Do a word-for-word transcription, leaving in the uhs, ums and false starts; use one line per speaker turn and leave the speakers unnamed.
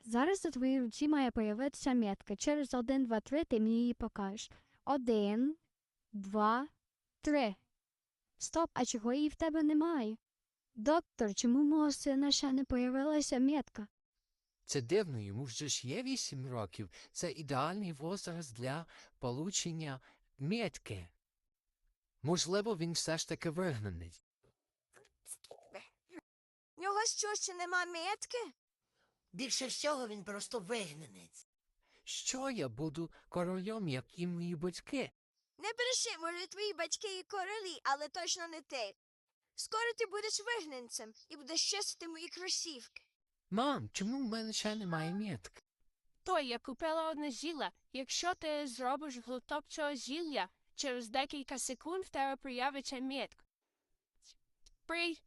Зараз у твоїй руці має появитися метка. Через один, два, три ти мені її покажеш. Один, два, три. Стоп, а чого її в тебе немає? Доктор, чому у мого сина ще не появилася метка?
Це дивно, йому вже ж є вісім років. Це ідеальний возраст для получення метки. Можливо, він все ж таки вигнаний.
В нього що, ще нема метки?
Більше всього він просто вигнанець.
Що я буду королем, як і мої батьки?
Не бреши, може, твої батьки і королі, але точно не ти. Скоро ти будеш вигнанцем і будеш чистити мої кросівки.
Мам, чому в мене ще немає метки?
То я купила одне зілля. Якщо ти зробиш глоток цього зілля, через декілька секунд в тебе проявиться метка. При...